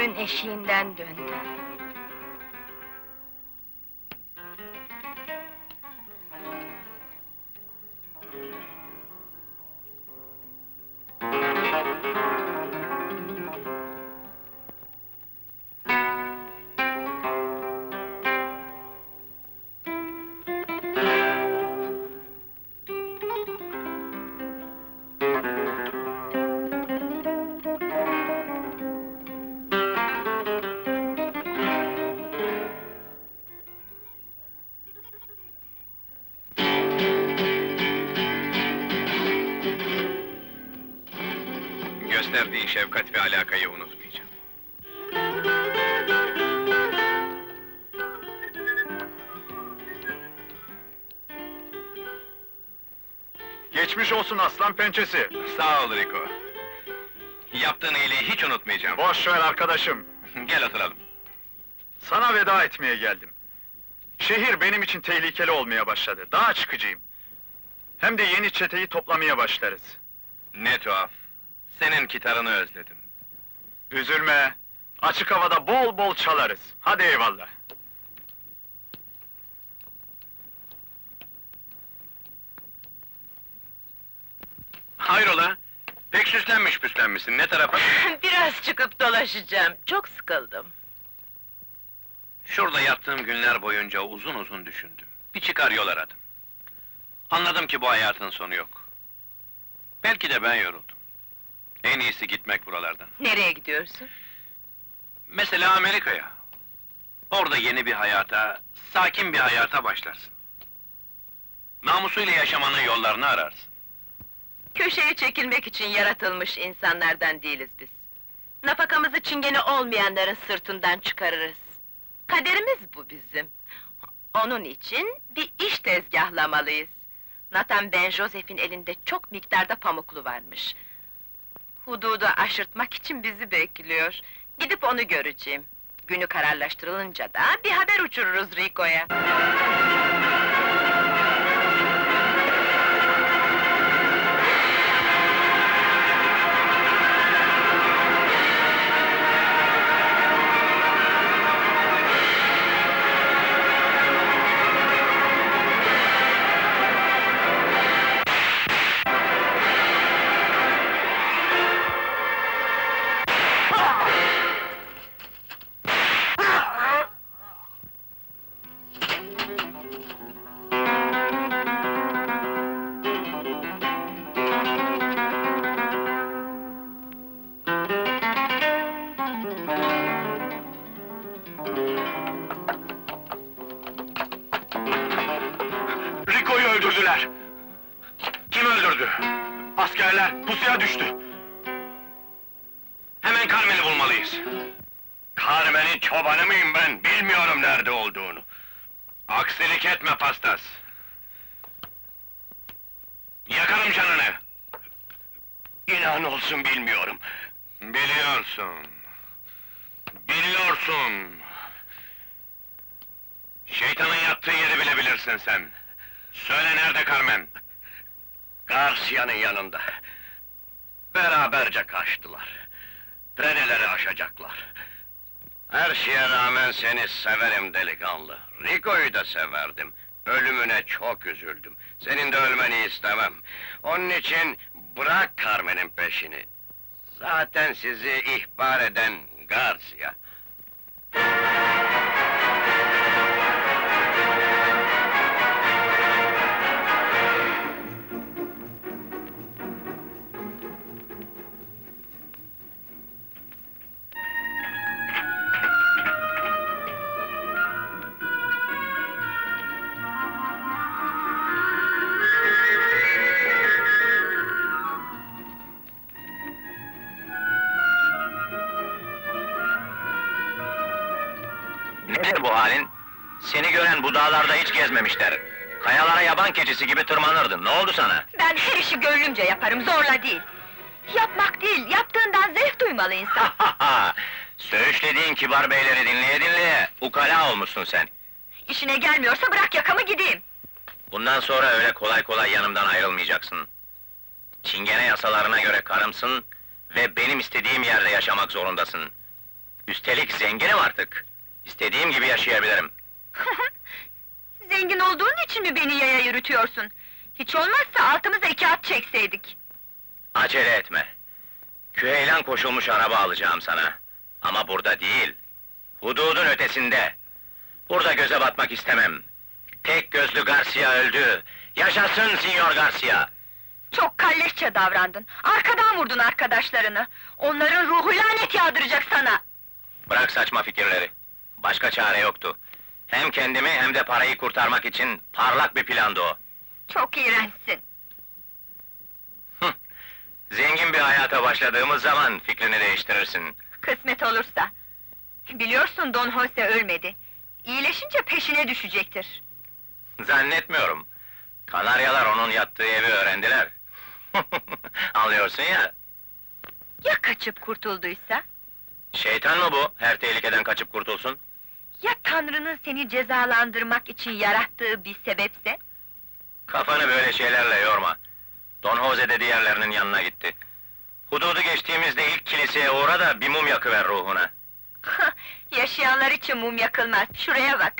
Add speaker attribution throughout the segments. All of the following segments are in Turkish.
Speaker 1: ömrün eşiğinden döndü.
Speaker 2: Gösterdiği şefkat ve alakayı unutmayacağım.
Speaker 3: Geçmiş olsun aslan pençesi.
Speaker 2: Sağ ol Rico. Yaptığın iyiliği hiç unutmayacağım.
Speaker 3: Boş ver arkadaşım.
Speaker 2: Gel oturalım.
Speaker 3: Sana veda etmeye geldim. Şehir benim için tehlikeli olmaya başladı. Dağa çıkacağım. Hem de yeni çeteyi toplamaya başlarız.
Speaker 2: Ne tuhaf. Senin gitarını özledim.
Speaker 3: Üzülme. Açık havada bol bol çalarız. Hadi eyvallah.
Speaker 2: Hayrola? Pek süslenmiş püslenmişsin, ne tarafa?
Speaker 4: Biraz çıkıp dolaşacağım, çok sıkıldım.
Speaker 2: Şurada yattığım günler boyunca uzun uzun düşündüm. Bir çıkar yol aradım. Anladım ki bu hayatın sonu yok. Belki de ben yoruldum. En iyisi gitmek buralardan.
Speaker 4: Nereye gidiyorsun?
Speaker 2: Mesela Amerika'ya. Orada yeni bir hayata, sakin bir hayata başlarsın. Namusuyla yaşamanın yollarını ararsın.
Speaker 4: Köşeye çekilmek için yaratılmış insanlardan değiliz biz. Nafakamızı çingene olmayanların sırtından çıkarırız. Kaderimiz bu bizim. Onun için bir iş tezgahlamalıyız. Nathan Ben Joseph'in elinde çok miktarda pamuklu varmış. Hududu aşırtmak için bizi bekliyor. Gidip onu göreceğim. Günü kararlaştırılınca da bir haber uçururuz Rico'ya.
Speaker 2: Rico'yu öldürdüler! Kim öldürdü? Askerler pusuya düştü! Hemen Carmen'i bulmalıyız! Carmen'in çobanı mıyım ben? Bilmiyorum nerede olduğunu! Aksilik etme pastas! Yakarım canını! İnan olsun bilmiyorum! Biliyorsun! Biliyorsun! Şeytanın yattığı yeri bile bilirsin sen! Söyle nerede Carmen? Garcia'nın yanında. Beraberce kaçtılar. Treneleri aşacaklar. Her şeye rağmen seni severim delikanlı. Rico'yu da severdim. Ölümüne çok üzüldüm. Senin de ölmeni istemem. Onun için bırak Carmen'in peşini. Zaten sizi ihbar eden Garcia.
Speaker 5: Nedir bu halin? Seni gören bu dağlarda hiç gezmemişler. Kayalara yaban keçisi gibi tırmanırdın, ne oldu sana?
Speaker 1: Ben her işi gönlümce yaparım, zorla değil. Yapmak değil, yaptığından zevk duymalı insan.
Speaker 5: Söğüşlediğin kibar beyleri dinleye dinleye, ukala olmuşsun sen.
Speaker 1: İşine gelmiyorsa bırak yakamı gideyim.
Speaker 5: Bundan sonra öyle kolay kolay yanımdan ayrılmayacaksın. Çingene yasalarına göre karımsın ve benim istediğim yerde yaşamak zorundasın. Üstelik zenginim artık. İstediğim gibi yaşayabilirim.
Speaker 1: Zengin olduğun için mi beni yaya yürütüyorsun? Hiç olmazsa altımıza 2 at çekseydik.
Speaker 5: Acele etme. Küheylan koşulmuş araba alacağım sana. Ama burada değil. Hududun ötesinde. Burada göze batmak istemem. Tek gözlü Garcia öldü. Yaşasın Sinyor Garcia!
Speaker 1: Çok kalleşçe davrandın. Arkadan vurdun arkadaşlarını. Onların ruhu lanet yağdıracak sana.
Speaker 5: Bırak saçma fikirleri. Başka çare yoktu. Hem kendimi hem de parayı kurtarmak için parlak bir plandı o.
Speaker 1: Çok iğrençsin.
Speaker 5: Zengin bir hayata başladığımız zaman fikrini değiştirirsin.
Speaker 1: Kısmet olursa. Biliyorsun Don Jose ölmedi. İyileşince peşine düşecektir.
Speaker 5: Zannetmiyorum. Kanaryalar onun yattığı evi öğrendiler. Anlıyorsun ya,
Speaker 1: Ya kaçıp kurtulduysa?
Speaker 5: şeytan mı bu, her tehlikeden kaçıp kurtulsun?
Speaker 1: Ya Tanrı'nın seni cezalandırmak için yarattığı bir sebepse?
Speaker 5: Kafanı böyle şeylerle yorma. Don Jose de diğerlerinin yanına gitti. Hududu geçtiğimizde ilk kiliseye uğra da bir mum yakıver ruhuna.
Speaker 1: Yaşayanlar için mum yakılmaz, şuraya bak!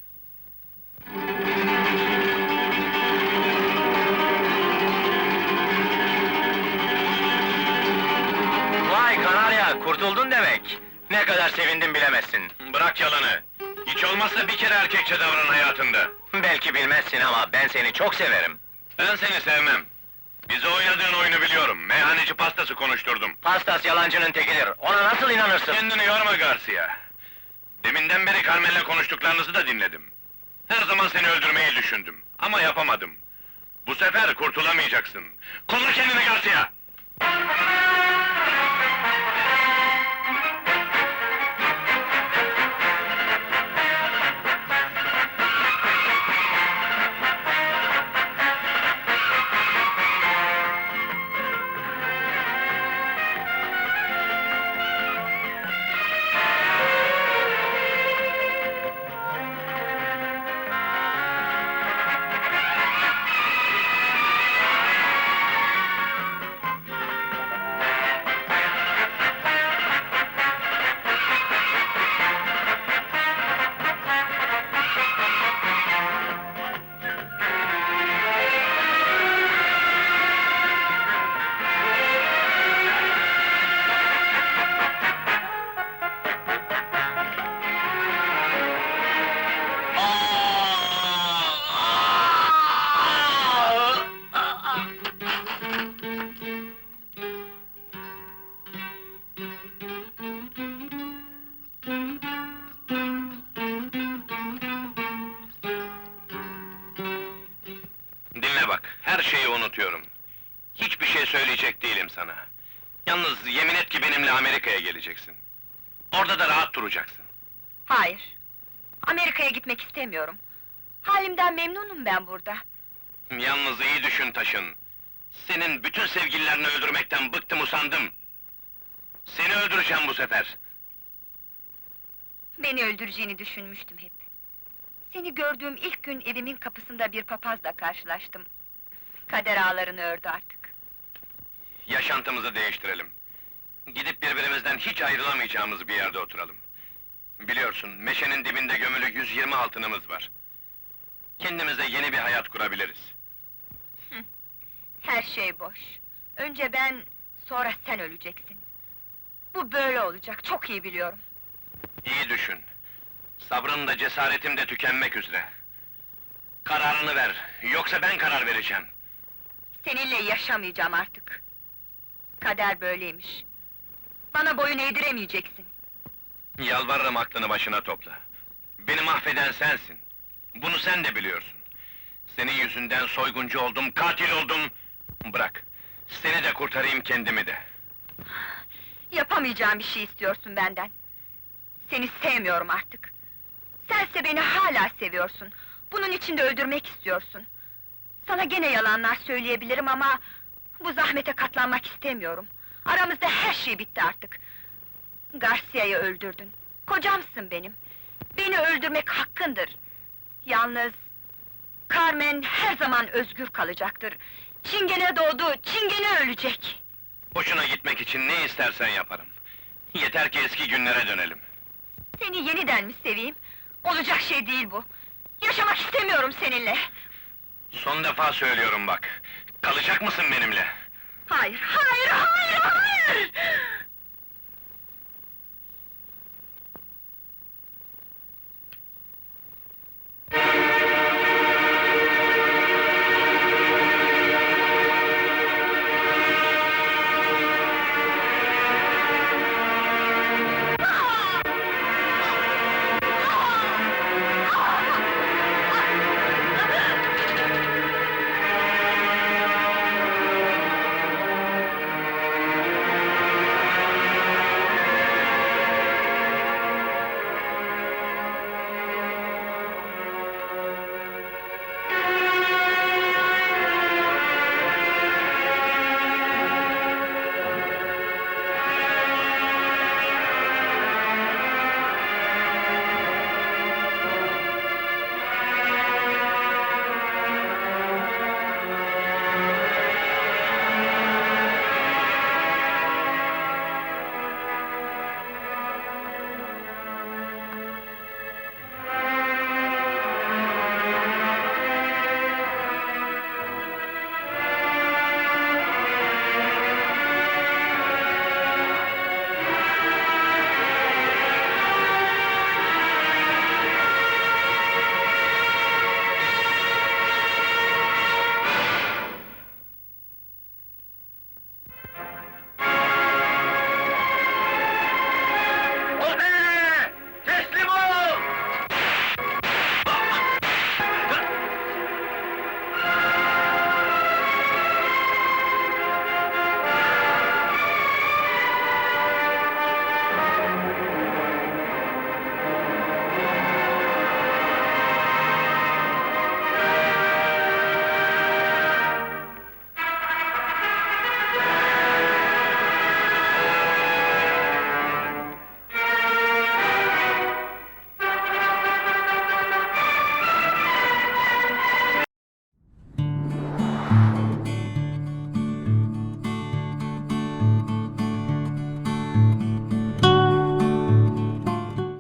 Speaker 5: Vay Kanarya, kurtuldun demek! Ne kadar sevindim bilemezsin.
Speaker 2: Bırak yalanı! Hiç olmazsa bir kere erkekçe davran hayatında.
Speaker 5: Belki bilmezsin ama ben seni çok severim.
Speaker 2: Ben seni sevmem. Bize oynadığın oyunu biliyorum. Meyhaneci pastası konuşturdum.
Speaker 5: Pastas yalancının tekidir, ona nasıl inanırsın?
Speaker 2: Kendini yorma Garcia. Deminden beri Carmen'le konuştuklarınızı da dinledim. Her zaman seni öldürmeyi düşündüm. Ama yapamadım. Bu sefer kurtulamayacaksın. Kolla kendini Garcia! Dinle bak, her şeyi unutuyorum. Hiçbir şey söyleyecek değilim sana. Yalnız yemin et ki benimle Amerika'ya geleceksin. Orada da rahat duracaksın.
Speaker 1: Hayır, Amerika'ya gitmek istemiyorum. Halimden memnunum ben burada.
Speaker 2: Yalnız iyi düşün Taşın. Senin bütün sevgililerini öldürmekten bıktım usandım. Seni öldüreceğim bu sefer.
Speaker 1: Beni öldüreceğini düşünmüştüm hep. Seni gördüğüm ilk gün evimin kapısında bir papazla karşılaştım. Kader ağlarını ördü artık.
Speaker 2: Yaşantımızı değiştirelim. Gidip birbirimizden hiç ayrılamayacağımız bir yerde oturalım. Biliyorsun, meşenin dibinde gömülü 120 altınımız var. Kendimize yeni bir hayat kurabiliriz.
Speaker 1: Her şey boş. Önce ben, sonra sen öleceksin. Bu böyle olacak, çok iyi biliyorum.
Speaker 2: İyi düşün. Sabrım da cesaretim de tükenmek üzere. Kararını ver, yoksa ben karar vereceğim.
Speaker 1: Seninle yaşamayacağım artık. Kader böyleymiş. Bana boyun eğdiremeyeceksin.
Speaker 2: Yalvarırım aklını başına topla. Beni mahveden sensin. Bunu sen de biliyorsun. Senin yüzünden soyguncu oldum, katil oldum. Bırak, seni de kurtarayım, kendimi de.
Speaker 1: Yapamayacağım bir şey istiyorsun benden. Seni sevmiyorum artık. Sense beni hala seviyorsun. Bunun için de öldürmek istiyorsun. Sana gene yalanlar söyleyebilirim ama... ...bu zahmete katlanmak istemiyorum. Aramızda her şey bitti artık. Garcia'yı öldürdün. Kocamsın benim. Beni öldürmek hakkındır. Yalnız... Carmen her zaman özgür kalacaktır. Çingene doğdu, Çingene ölecek.
Speaker 2: Hoşuna gitmek için ne istersen yaparım.
Speaker 5: Yeter ki eski günlere dönelim.
Speaker 1: Seni yeniden mi seveyim? Olacak şey değil bu. Yaşamak istemiyorum seninle.
Speaker 5: Son defa söylüyorum bak. Kalacak mısın benimle?
Speaker 1: Hayır, hayır, hayır, hayır!